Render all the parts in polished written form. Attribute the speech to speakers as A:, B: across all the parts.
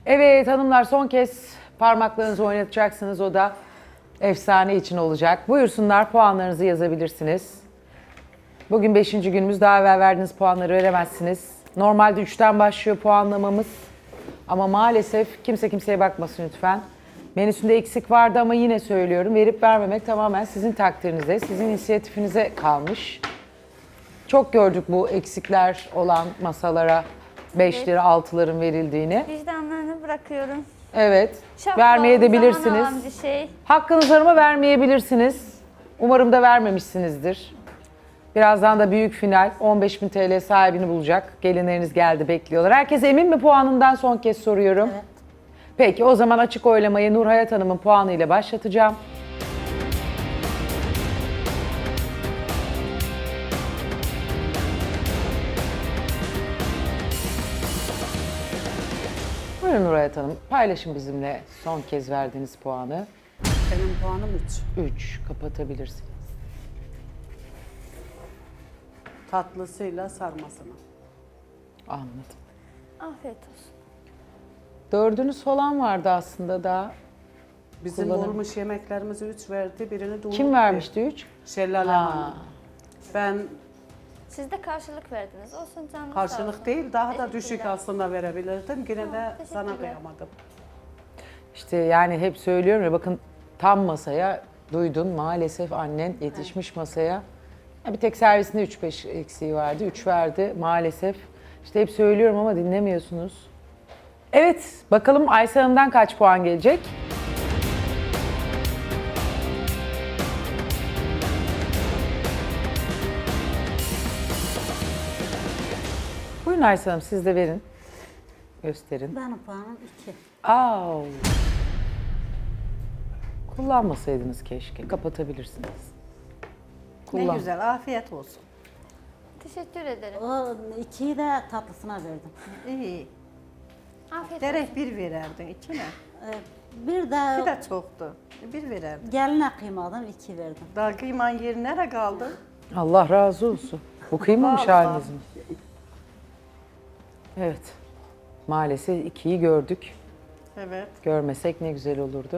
A: Evet hanımlar, son kez parmaklarınızı oynatacaksınız. O da efsane için olacak. Buyursunlar, puanlarınızı yazabilirsiniz. Bugün 5. günümüz. Daha evvel verdiğiniz puanları veremezsiniz. Normalde 3'ten başlıyor puanlamamız. Ama maalesef kimse kimseye bakmasın lütfen. Menüsünde eksik vardı ama yine söylüyorum. Verip vermemek tamamen sizin takdirinize, sizin inisiyatifinize kalmış. Çok gördük bu eksikler olan masalara 5'leri 6'ların verildiğini.
B: Vicdanlarını bırakıyorum.
A: Evet,
B: Çok
A: vermeye de
B: zaman
A: bilirsiniz.
B: alan bir şey.
A: Hakkınız var ama vermeyebilirsiniz. Umarım da vermemişsinizdir. Birazdan da büyük final 15.000 TL sahibini bulacak. Gelinleriniz geldi, bekliyorlar. Herkes emin mi puanından, son kez soruyorum.
C: Evet.
A: Peki o zaman açık oylamayı Nur Hayat Hanım'ın puanı ile başlatacağım. Buyurun Nur Hayat Hanım, paylaşın bizimle son kez verdiğiniz puanı.
C: Benim puanım 3.
A: 3, kapatabilirsiniz.
C: Tatlısıyla sarmasına.
A: Anladım.
B: Afiyet olsun.
A: 4'ünüz falan vardı aslında daha.
C: Bizim
A: Kullanım.
C: olmuş yemeklerimizi 3 verdi, birini de
A: Kim vermişti 3?
C: Şellale Hanım. Ben
B: Siz de karşılık verdiniz. Olsun canım. sağ
C: karşılık
B: olun.
C: değil, daha da
B: Teşekkürler.
C: düşük aslında verebilirdim. Yine de sana
B: teşekkürler.
C: kıyamadım.
A: İşte yani hep söylüyorum ya, bakın tam masaya duydun, maalesef annen yetişmiş masaya. Ya bir tek servisinde 3-5 eksiği vardı, 3 verdi maalesef. İşte hep söylüyorum ama dinlemiyorsunuz. Evet, bakalım Aysel Hanım'dan kaç puan gelecek? Buyurun Aysel Hanım, siz de verin. Gösterin.
D: Benim puanım 2.
A: Au. Kullanmasaydınız keşke. Kapatabilirsiniz.
E: Ne güzel, afiyet olsun.
B: Teşekkür ederim.
D: O 2'yi de tatlısına verdim.
E: İyi.
B: Afiyet olsun.
E: Derek bir vererdin, içine.
D: Bir
E: Bir
D: de
E: de çoktu. Bir vererdin.
D: geline kıymadım, 2 verdim.
E: Daha kıyman yeri nereye kaldı?
A: Allah razı olsun. Bu kıymamış
E: Vallahi.
A: haliniz mi? Evet. Maalesef 2'yi gördük.
E: Evet.
A: Görmesek ne güzel olurdu.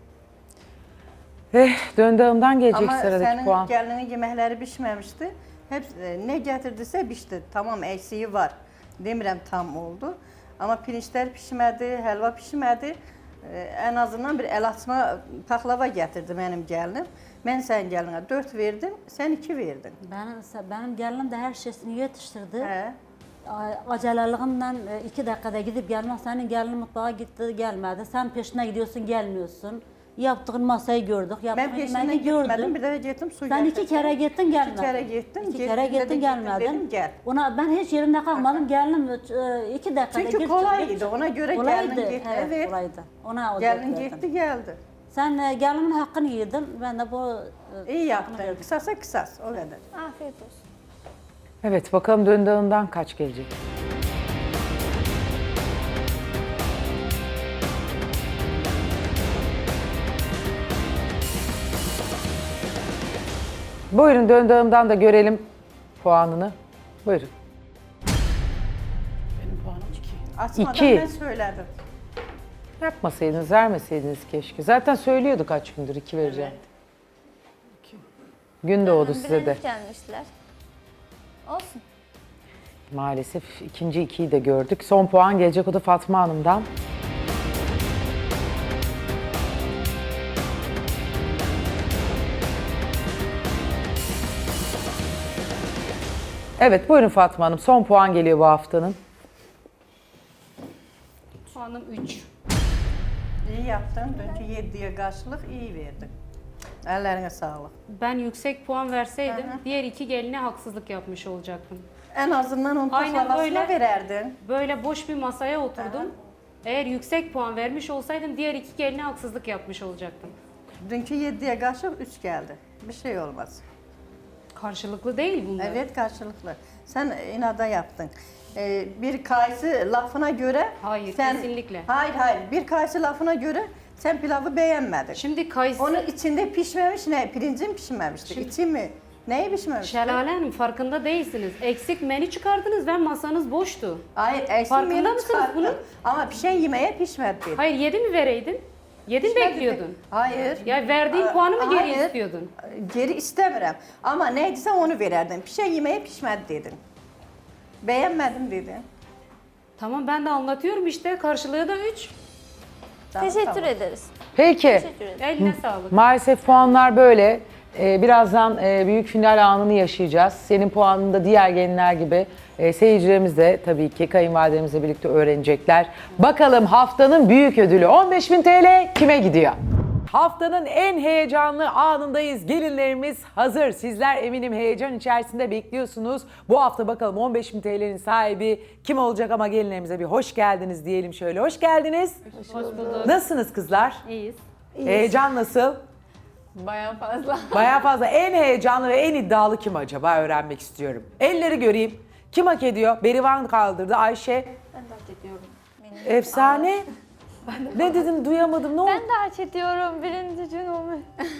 A: Döndüğümden gelecek
E: Ama
A: sıradaki
E: senin
A: puan.
E: gelinin yemekleri pişmemişti. Hep ne getirdiyse pişti. Tamam, eksiği var. Demirəm tam oldu. Ama pirinçler pişmedi, helva pişmedi. En azından bir el açma paklava getirdi benim gelinim. Ben sen geline 4 verdim, sen 2 verdin.
D: Benim gelinim de her şeyini yetiştirdi.
E: He.
D: Aceleliğimden 2 dakikada gidip gelmek, senin gelinin mutfağa gitti gelmedi. Sen peşine gidiyorsun gelmiyorsun. Yaptığın masayı gördük, yaptığın
E: Ben peşinden
D: yemeği
E: gitmedim,
D: gördüm.
E: bir de gittim su
D: Sen 2
E: getirdim.
D: kere gittin gelmedin.
E: 2 kere gittim.
D: 2 kere
E: gittim,
D: gittin gelmedin.
E: dedim, gel.
D: Ona ben hiç yerimde kalkmadım. Gelinim 2 dakikada
E: Çünkü
D: git,
E: kolaydı,
D: git.
E: ona göre
D: Kolaydı,
E: gelinin gitti. Evet.
D: kolaydı. Ona o
E: Gelin
D: dört verdim.
E: gitti geldi.
D: Sen gelinin hakkını yedin, ben de bu
E: İyi
D: hakkını
E: yaptın.
D: verdim.
E: Kısasa kısas, o kadar.
B: Afiyet olsun.
A: Evet, bakalım döndüğümden kaç gelecek? Buyurun, döndüğümden da görelim puanını. Buyurun.
C: Benim puanım 2.
E: Açmadan
A: İki.
E: ben söyledim.
A: Yapmasaydınız, vermeseydiniz keşke. Zaten söylüyordu kaç gündür 2 vereceğim. Gün doğdu size de.
B: Bilerek gelmişler. Olsun.
A: Maalesef ikinci 2'yi de gördük. Son puan gelecek, o da Fatma Hanım'dan. Evet, buyurun Fatma Hanım. Son puan geliyor bu haftanın.
F: Puanım 3.
E: İyi yaptın. Dünkü 7'ye karşılık iyi verdin. Ellerine sağlık.
F: Ben yüksek puan verseydim
E: Hı hı.
F: diğer 2 geline haksızlık yapmış olacaktım.
E: En azından onun
F: Aynen
E: paklavasına
F: öyle.
E: vererdin.
F: Böyle boş bir masaya oturdum. Eğer yüksek puan vermiş olsaydım diğer 2 geline haksızlık yapmış olacaktım.
E: Dünkü 7'ye karşılık 3 geldi. Bir şey olmaz.
F: Karşılıklı değil bunlar.
E: Evet, karşılıklı. Sen inada yaptın. Bir kayısı lafına göre...
F: Hayır,
E: sen,
F: kesinlikle.
E: Hayır. Bir kayısı lafına göre sen pilavı beğenmedin.
F: Şimdi kayısı
E: Onun içinde pişmemiş ne? Pirincin pişmemişti.
F: Şimdi-
E: İçi mi? Neyi pişmemişti?
F: Şelale Hanım farkında değilsiniz. Eksik menü çıkardınız ve masanız boştu.
E: Hayır, eksik
F: Farkında
E: menü
F: mısınız
E: çıkarttım.
F: bunun?
E: Ama pişen yemeğe pişmedi.
F: Hayır 7 mi vereydin? 7 mi bekliyordun?
E: Hayır.
F: Ya verdiğin puanı mı geri
E: Hayır.
F: istiyordun?
E: Geri istemiyorum. Ama neyse onu verirdim. Pişen yemeğe pişmedi dedin. Beğenmedim dedin.
F: Tamam ben de anlatıyorum işte karşılığı da 3.
B: Teşekkür ederiz.
A: Peki.
B: Teşekkür ederim.
F: Eline sağlık.
A: Maalesef puanlar böyle. Birazdan büyük final anını yaşayacağız. Senin puanını da diğer gelinler gibi seyircilerimiz de tabii ki kayınvalidemizle birlikte öğrenecekler. Bakalım haftanın büyük ödülü 15.000 TL kime gidiyor? Haftanın en heyecanlı anındayız. Gelinlerimiz hazır. Sizler eminim heyecan içerisinde bekliyorsunuz. Bu hafta bakalım 15.000 TL'nin sahibi kim olacak, ama gelinlerimize bir hoş geldiniz diyelim şöyle. Hoş geldiniz.
F: Hoş bulduk.
A: Nasılsınız kızlar?
F: İyiyiz.
A: Heyecan nasıl?
G: Bayağı fazla.
A: Bayağı fazla. En heyecanlı ve en iddialı kim acaba öğrenmek istiyorum. Elleri göreyim. Kim hak ediyor? Berivan kaldırdı. Ayşe.
G: Ben de hak ediyorum.
A: Efsane. Ne dedim duyamadım. Ne oldu?
B: Ben de hak ediyorum birinci gün olmuş.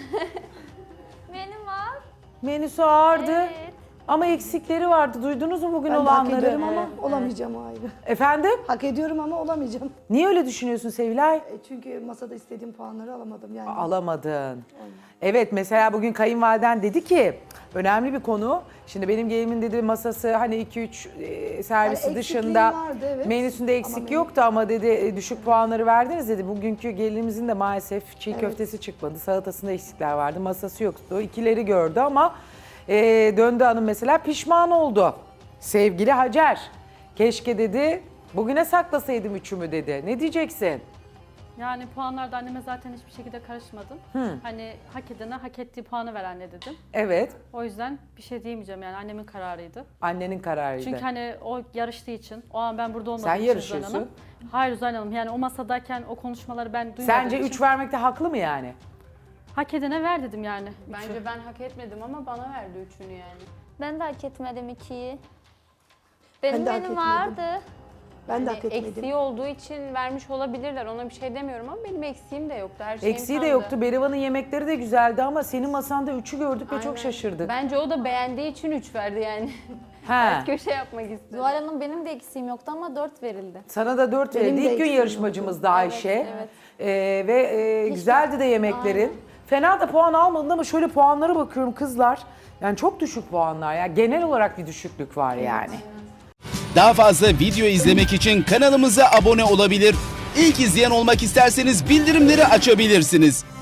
B: Benim var.
A: Menüsü ağırdı.
B: Evet.
A: Ama eksikleri vardı. Duydunuz mu bugün
H: Ben de hak
A: olanları?
H: ediyorum ama olamayacağım o ayrı.
A: Efendim?
H: Hak ediyorum ama olamayacağım.
A: Niye öyle düşünüyorsun Sevilay?
H: Çünkü masada istediğim puanları alamadım yani.
A: Alamadın. Evet, mesela bugün kayınvaliden dedi ki önemli bir konu. Şimdi benim gelinimin dedi masası hani 2-3 servisi
H: Yani
A: dışında
H: eksikliğim vardı, evet.
A: menüsünde eksik yoktu ama dedi düşük puanları verdiniz dedi. Bugünkü gelinimizin de maalesef çiğ köftesi çıkmadı. Salatasında eksikler vardı. Masası yoktu. İkileri gördü ama döndü hanım mesela pişman oldu. Sevgili Hacer. Keşke dedi bugüne saklasaydım üçümü dedi. Ne diyeceksin?
I: Yani puanlarda anneme zaten hiçbir şekilde karışmadım. Hani hak edene hak ettiği puanı ver anne dedim.
A: Evet.
I: O yüzden bir şey diyemeyeceğim yani annemin kararıydı.
A: Annenin kararıydı.
I: Çünkü hani o yarıştığı için, o an ben burada olmadığım
A: Sen
I: için
A: yarışıyorsun.
I: Zuhal Hanım. Hayır Zuhal Hanım, yani o masadayken o konuşmaları ben duymadığım
A: Sence
I: için
A: 3 vermekte haklı mı yani?
I: hak edene ver dedim yani.
G: Bence ben hak etmedim ama bana verdi üçünü yani.
B: Ben de hak etmedim 2'yi.
H: Ben
B: Benim
H: de hak
B: benim
H: etmedim.
B: vardı.
H: Ben de
G: Hani
H: hak etmedim.
G: eksiği olduğu için vermiş olabilirler. Ona bir şey demiyorum ama benim eksiğim de yoktu. Her şeyim
A: Eksiği de
G: tamdı.
A: yoktu. Berivan'ın yemekleri de güzeldi ama senin masanda 3'ü gördük ve çok
G: Aynen.
A: şaşırdık.
G: Bence o da beğendiği için 3 verdi yani.
A: He.
G: Köşe yapmak istedi.
J: Zuhal Hanım benim de eksiğim yoktu ama 4 verildi.
A: Sana da 4
H: Benim
A: verildi.
H: de
A: İlk gün
H: eksiğim
A: yarışmacımızdı Ayşe.
J: evet.
A: Ve güzeldi de yemeklerin. Fena da puan almadın ama şöyle puanlara bakıyorum kızlar. Yani çok düşük puanlar ya. Genel olarak bir düşüklük var yani.
K: Daha fazla video izlemek için kanalımıza abone olabilir. İlk izleyen olmak isterseniz bildirimleri açabilirsiniz.